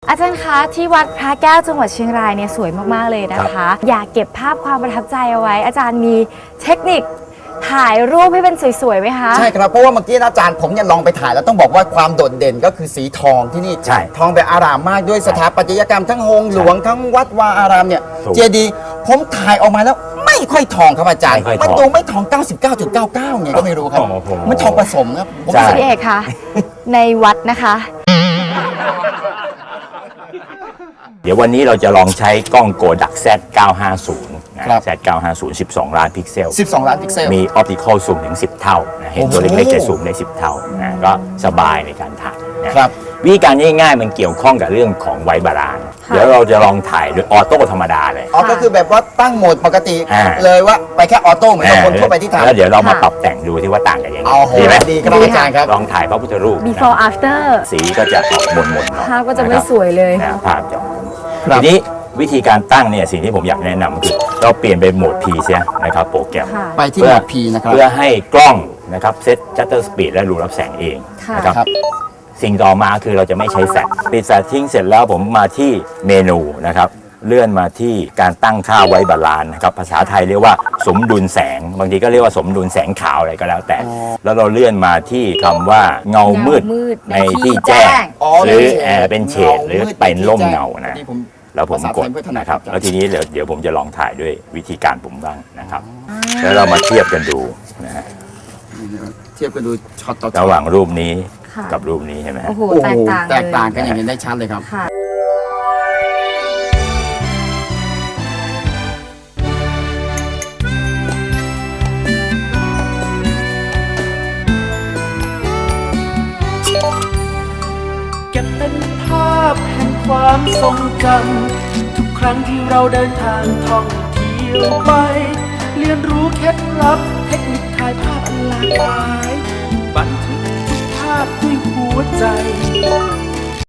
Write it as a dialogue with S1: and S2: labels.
S1: อาจารย์คะที่วัดพระแก้วจังหวัดเชียงรายเนี่ยสวยมากๆเลยนะคะ อยากเก็บภาพความประทับใจเอาไว้อาจารย์มีเทคนิคถ่ายรูปให้เป็นสวยๆไหมคะ
S2: ใช่ครับเพราะว่าเมื่อกี้อาจารย์ผมเนี่ยลองไปถ่ายแล้วต้องบอกว่าความโดดเด่นก็คือสีทองที่นี่
S3: ใช่
S2: ทองแบบอารามมากด้วยสถาปัตยกรรมทั้งโฮงหลวงทั้งวัดวาอารามเนี่ย
S3: ถูก
S2: เจดีย์ผมถ่ายออกมาแล้วไม่ค่อยทองครับอาจารย์
S3: ไม่ค่อยทอง
S2: มันดูไม่ทอง 99.99เนี่ยก็ไม่รู้ครับ
S3: โอ้โห
S2: มันทองผสมครับผม
S3: ใช่
S1: พี่เอกคะในวัดนะคะ
S3: เดี๋ยววันนี้เราจะลองใช้กล้องโกดัก Z950 นะ Z950 12 ล้านพิกเซล
S2: 12 ล้านพิกเซล
S3: มีออปติคอลซูมถึง 10 เท่านะเห็นตัว
S2: โอ้โห
S3: เล็กๆจะซูมได้ 10 เท่านะก็สบายในการถ่ายนะครับ วิธีการง่ายๆ มันเกี่ยวข้องกับเรื่องของไวบาลานซ์
S1: ค่ะ
S3: เดี๋ยวเราจะลองถ่ายโดยออโต้ธรรมดาเลย
S2: อ๋อก็คือแบบว่าตั้งโหมดปกติ
S3: อ่า
S2: เลยว่าไปแค่ออโต้เหมือนกับคนทั่วไปที่ทำ
S3: แล้วเดี๋ยวเรามาปรับแต่งดูที่ว่าต่างกันยังไง
S2: เอาโห
S3: ดีไหม
S2: ดีครับอาจารย์ครับ
S3: ลองถ่ายพระพุทธรูปนะ
S1: before after
S3: สีก็จะออกหม่นๆหน่อย
S1: ภาพก็จะไม่
S3: นครับ
S1: สวยเลย
S3: นะภาพจะออก
S2: ครับ
S3: ทีนี้วิธีการตั้งเนี่ยสิ่งที่ผมอยากแนะนำคือเราเปลี่ยนเป็นโหมด P เสียนะครับโปรแกรม
S1: ค่ะ
S2: ไปที่โหมด P นะครับ
S3: เพื่อให้กล้องนะครับเซตชัตเตอร์สปีดและรูรับแสงเอง
S1: ค่ะ
S3: นะครับ
S2: ครับ
S3: สิ่งต่อมาคือเราจะไม่ใช้แฟลชปิดแฟลชทิ้งเสร็จแล้วผมมาที่เมนูนะครับเลื่อนมาที่การตั้งค่าไว้บาลานซ์นะครับภาษาไทยเรียกว่าสมดุลแสง บางทีก็เรียกว่าสมดุลแสงขาวอะไรก็แล้วแต่ แล้วเราเลื่อนมาที่คำว่าเงามืด
S1: เงามืด
S3: ใน
S1: ในที่
S3: ที่แจ้ง
S1: แจ้ง
S3: หรือเป็นเฉดหรือเป็นร่มเงานะ
S2: ที่ผม
S3: แล้วผมกด
S2: ภาษาไทยไม่ถนัด
S3: นะครับ
S2: ครับ
S3: แล้วทีนี้เดี๋ยวผมจะลองถ่ายด้วยวิธีการผมบ้างนะครับแล้วเรามาเทียบกันดูนะฮะ
S2: เทียบกันดูช็อตต่อช็อ
S3: ระ
S2: ต
S3: หว่างรูปนี้
S1: ค่ะ
S3: กับรูปนี้ใช่ไหมฮะ
S1: โอ้โห
S2: โอ้โห
S1: แตกต่าง
S2: แตกต่างกันอย่างเห็นได้ชัดเลยครับ
S1: ค่ะ
S4: เก็บเป็นภาพแห่งความทรงจำทุกครั้งที่เราเดินทางท่องเที่ยวไป เรียนรู้เคล็ดลับเทคนิคถ่ายภาพอันหลากหลายบันทึกทุกภาพด้วยหัวใจ